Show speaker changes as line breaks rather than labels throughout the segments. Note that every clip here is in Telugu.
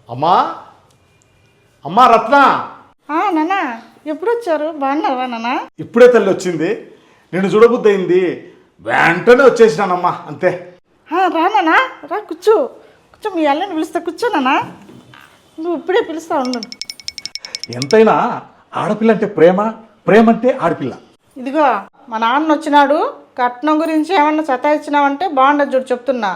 అమ్మా అమ్మా రత్న
నాన్న ఎప్పుడు వచ్చారు? బాగున్నావా నాన్న?
ఇప్పుడే తల్లి వచ్చింది. నిన్ను చూడబుద్ధి అయింది, వెంటనే వచ్చేసినానమ్మా, అంతే.
రా నాన్న, రా కూర్చో కూర్చో. మీ అల్లని పిలుస్తా, కూర్చో నాన్న. నువ్వు ఇప్పుడే పిలుస్తా ఉండు.
ఎంతైనా ఆడపిల్ల అంటే ప్రేమ, ప్రేమ అంటే ఆడపిల్ల.
ఇదిగో మా నాన్న వచ్చినాడు, కట్నం గురించి ఏమన్నా సతాయించినావంటే బాగుండదు చూడు చెప్తున్నా.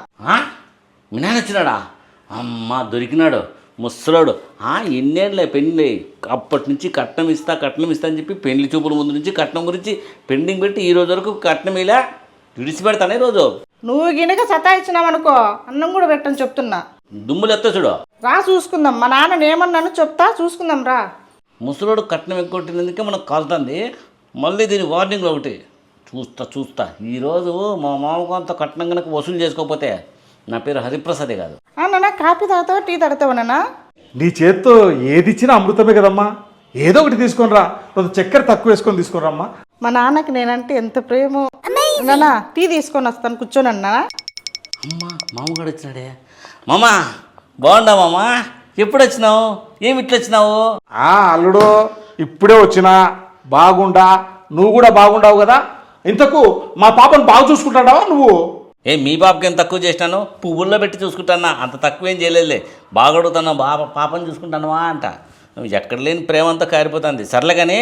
మీ నాన్న వచ్చినాడా? అమ్మ దొరికినాడు ముసలాడు. ఎన్నేళ్ళే పెళ్ళి, అప్పటి నుంచి కట్నం ఇస్తా అని చెప్పి పెళ్లి చూపుల ముందు నుంచి కట్నం గురించి పెండింగ్ పెట్టి ఈ రోజు వరకు కట్నం ఇలా విడిచిపెడతానే రోజు.
నువ్వు గినక సతాయించినావనుకో అన్నం కూడా పెట్టని చెప్తున్నా.
దుమ్ములు ఎత్తా చూడు.
రా చూసుకుందాం, మా నాన్న ఏమన్నాను చెప్తా, చూసుకుందాం రా.
ముసలోడు కట్నం ఎక్కువ మనకు కాలుతుంది. మళ్ళీ దీని వార్నింగ్ ఒకటి చూస్తా. ఈరోజు మా మామకు అంత కట్నం కనుక వసూలు చేసుకోకపోతే నా పేరు హరిప్రసాదే కాదు.
నాన్న కాఫీ తాగుతావా, టీ తాగుతావా నాన్న?
నీ చేత్తో ఏది ఇచ్చినా అమృతమే కదమ్మా. ఏదో ఒకటి తీసుకొని రా, కొంచెం చక్కెర తక్కువ వేసుకొని తీసుకొని రమ్మా.
మా నాన్నకి నేనంటే ఎంత ప్రేమో. నాన్న టీ తీసుకొని వస్తాను, కూర్చోనన్నా.
అమ్మ మామగాడు వచ్చినాడే. మామ బాగుండా మామ? ఎప్పుడు వచ్చినావు? ఏమి ఇట్లా వచ్చినావు?
అల్లుడు ఇప్పుడే వచ్చినా, బాగుండా. నువ్వు కూడా బాగుండావు కదా. ఇంతకు మా పాపను బాగా చూసుకుంటాడావా నువ్వు?
మీ పాపకి ఏం తక్కువ చేసినాను? పువ్వుల్లో పెట్టి చూసుకుంటానా, అంత తక్కువ ఏం చేయలేదులే. బాగా అడుగుతాను, పాపని చూసుకుంటానువా అంట. ఎక్కడ లేని ప్రేమ అంతా కారిపోతుంది. సర్లే కానీ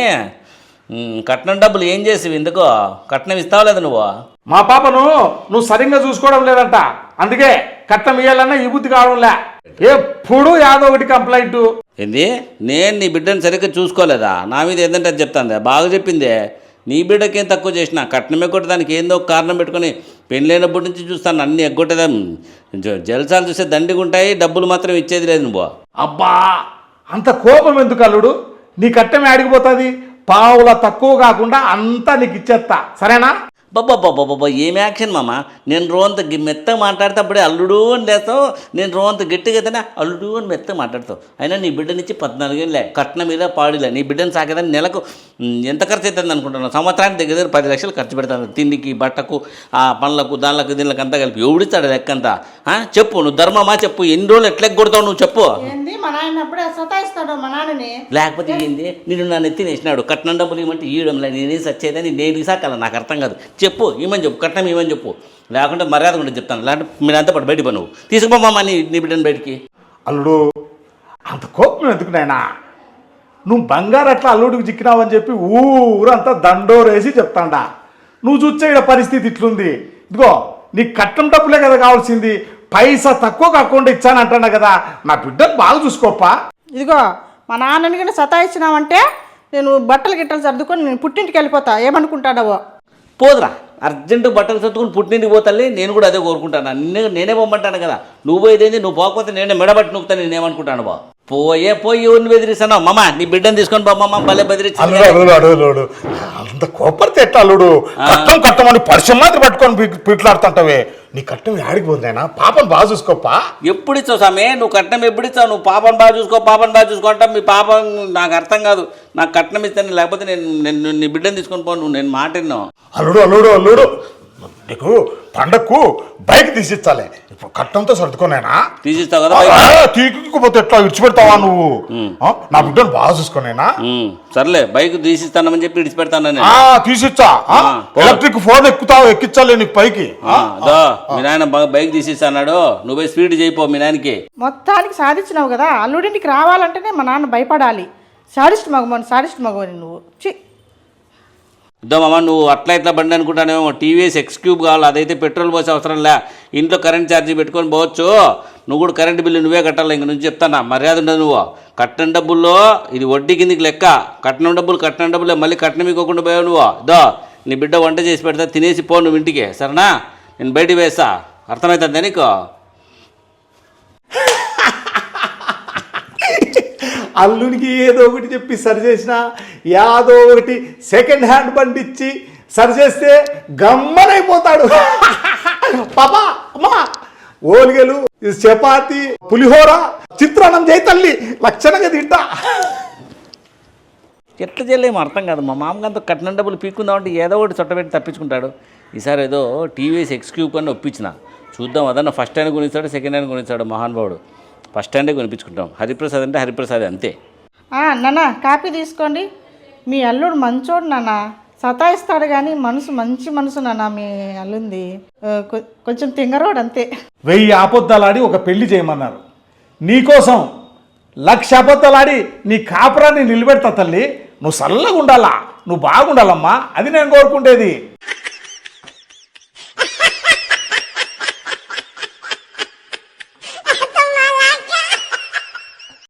కట్నం డబ్బులు ఏం చేసేవి? ఎందుకో కట్నం ఇస్తావా లేదా నువ్వు?
మా పాపను నువ్వు సరిగ్గా చూసుకోవడం లేదంట, అందుకే కట్నం ఇవ్వాలన్నా ఈ బుద్ధి కావడంలే. ఎప్పుడు యాదో ఒకటి కంప్లైంట్.
ఏంది? నేను నీ బిడ్డను సరిగ్గా చూసుకోలేదా? నా మీద ఏంటంటే అది చెప్తాందే. బాగా చెప్పిందే. నీ బిడ్డకేం తక్కువ చేసిన? కట్నం ఎగ్గొట్టే దానికి ఏందో ఒక కారణం పెట్టుకొని పెళ్ళైనప్పటి నుంచి చూస్తాను అన్నీ ఎగ్గొట్టేదా. జలసాలు చూస్తే దండిగా ఉంటాయి, డబ్బులు మాత్రం ఇచ్చేది లేదు నువ్వు.
అబ్బా అంత కోపం ఎందుకు అల్లుడు? నీ కట్టమే అడిగిపోతుంది. పావుల తక్కువ కాకుండా అంతా నీకు ఇచ్చేస్తా, సరేనా?
బాబా ఏం యాక్షన్ మామ. నేను రోంత మెత్తగా మాట్లాడితే అప్పుడే అల్లుడు అని లేస్తావు. నేను రోంత గట్టిగా అయితేనే అల్లుడు అని మెత్తగా మాట్లాడతావు. అయినా నీ బిడ్డనిచ్చి 14 ఏళ్ళే, కట్నం మీద పాడిలే. నీ బిడ్డను సాకేదని నెలకు ఎంత ఖర్చు అవుతుంది అనుకుంటున్నావు? సంవత్సరానికి దగ్గర 10 లక్షలు ఖర్చు పెడతాను. తిండికి, బట్టకు, ఆ పనులకు, దానిలకు, దీనికి అంతా కలిపి. ఎవడిస్తాడు లెక్కంతా? చెప్పు, నువ్వు ధర్మమా చెప్పు. ఎన్ని రోజులు ఎట్లా కొడతావు నువ్వు చెప్పు.
మా నాయన అప్పుడే సతాయిస్తాడు మా నాన్నని.
లేకపోతే ఏంది? నేను నా నెత్తినేసినాడు. కట్నం డబ్బులు ఇవ్వమంటే ఇవ్వడంలే. నేనేం సచ్చేదని నేను ఇసాకాల, నాకు అర్థం కాదు. చెప్పు, ఇవ్వమని చెప్పు, కట్నం ఇవ్వమని చెప్పు. లేకుంటే మర్యాద కూడా చెప్తాను. లేకుంటే మీరంతా పాటు బయటికి నువ్వు తీసుకుపోమ్మా నీ బిడ్డను బయటికి.
అల్లుడు అంత కోపం ఎందుకు నాయనా? నువ్వు బంగారు అట్లా అల్లుడికి చిక్కినావని చెప్పి ఊరంతా దండోరేసి చెప్తాండా. నువ్వు చూసే ఇక్కడ పరిస్థితి ఇట్లుంది. ఇదిగో నీకు కట్నం డబ్బులే కదా కావాల్సింది. పైసా తక్కువ కాకుండా ఇచ్చానంటున్నా కదా. నా బిడ్డను బాగా చూసుకోపా.
ఇదిగో మా నాన్నని కానీ సతాయించినావంటే నేను బట్టలు సర్దుకొని నేను పుట్టింటికి వెళ్ళిపోతా. ఏమనుకుంటాడవో.
పోదురా, అర్జెంటు బట్టలు సర్దుకుని పుట్టింటికి పోతాలి. నేను కూడా అదే కోరుకుంటాను. నేనే పొమ్మంటాను కదా. నువ్వు పోయేదేంది? నువ్వు పోకపోతే నేనే మెడబట్టి నొక్కుతాను. నేనేమనుకుంటాను బా. పోయి ఎవరిని బెదిరిస్తాను? మమ్మ నీ బిడ్డను తీసుకొని బామ్మ భలే బెదిరించి.
అంత కోపడితే ఎట్లా అల్లుడు? కట్టమని పరిశ్రమ మాత్రం పట్టుకొని పీట్లాడుతుంటావే. నీ కట్టం ఆడికి పోతుందైనా. పాపను బాగా చూసుకోపా.
ఎప్పుడు ఇచ్చావు సామే? నువ్వు కట్నం ఎప్పుడు ఇచ్చావు? నువ్వు పాపను బాగా చూసుకో అంటా. మీ పాపం నాకు అర్థం కాదు. నాకు కట్నం ఇస్తాను, లేకపోతే నేను నీ బిడ్డను తీసుకొని పో. నువ్వు నేను మాట విన్నావు.
అల్లుడు నీకు పండక్కు బైక్ తీసిచ్చాలి. ఇప్పుడు కట్టంతో సర్దుకోనేనా?
తీసిస్తావు కదా.
తీసుకోపోతే ఎట్లా విడిచిపెడతావా నువ్వు? నా బిడ్డను బాగా చూసుకోనేనా?
సర్లే, బైక్ తీసిస్తానని చెప్పి విడిచిపెడతాను.
తీసిచ్చా. ఎలక్ట్రిక్ ఫోన్ ఎక్కించాలి నీకు పైకి.
మీ నాయన బైక్ తీసిస్తాడు. నువ్వు స్పీడ్ చేయిపో మీ నాయనకి.
మొత్తానికి సాధించినావు కదా. అల్లుడింటికి రావాలంటేనే మా నాన్న భయపడాలి. సాడిస్ట్ మగవని నువ్వు.
ఇద్దామమ్మా, నువ్వు అట్లా ఇట్లా బండి అనుకుంటానేమో. టీవీఎస్ ఎక్స్క్యూబ్ కావాలి. అదైతే పెట్రోల్ పోసే అవసరం లే. ఇంట్లో కరెంట్ ఛార్జీ పెట్టుకొని పోవచ్చు. నువ్వు కూడా కరెంటు బిల్లు నువ్వే కట్టాలి. ఇంక నుంచి చెప్తానా, మర్యాద ఉండదు. నువ్వు కట్నం డబ్బుల్లో ఇది వడ్డీ కిందికి లెక్క. కట్నం డబ్బులే. మళ్ళీ కట్నం ఇవ్వకుండా పోయావు నువ్వు. నీ బిడ్డ వంట చేసి పెడతా, తినేసి పో నువ్వు ఇంటికి, సరేనా? నేను బయటికి వేస్తా. అర్థమవుతుందా నీకు?
అల్లునికి ఏదో ఒకటి చెప్పి సరి చేసిన, యాదో ఒకటి సెకండ్ హ్యాండ్ బండి ఇచ్చి సరి చేస్తే గమ్మనైపోతాడు. పాపా అమ్మా, ఓలిగలు, చపాతి, పులిహోర, చిత్రాన్నం చేయి తల్లి, లక్షణంగా తింటా.
ఎట్లా చేయలేమో అర్థం కాదు. మా మామగారితో కట్నం డబ్బులు పీక్కుందామంటే ఏదో ఒకటి చుట్టబెట్టి తప్పించుకుంటాడు. ఈసారి ఏదో టీవీఎస్ ఎక్స్క్యూబ్ అని ఒప్పించిన. చూద్దాం, అదన్నా ఫస్ట్ హ్యాండ్ కొనిస్తాడు, సెకండ్ హ్యాండ్ కొనిస్తాడు మహానుభావుడు. ఫస్ట్ హ్యాండే కొనిపించుకుంటాం. హరిప్రసాద్ అంటే హరిప్రసాద్ అంతే.
నాన్న కాపీ తీసుకోండి. మీ అల్లుడు మంచోడు నాన్న, సతాయిస్తాడు కానీ మనసు మంచి మనసు నాన్న మీ అల్లుంది. కొంచెం తింగరోడు అంతే.
1000 అబద్ధాలాడి ఒక పెళ్లి చేయమన్నారు. నీకోసం 1,00,000 అబద్ధాలాడి నీ కాపురాన్ని నిలబెడతా తల్లి. నువ్వు చల్లగా ఉండాలా, నువ్వు బాగుండాలమ్మా, అది నేను కోరుకుంటేది.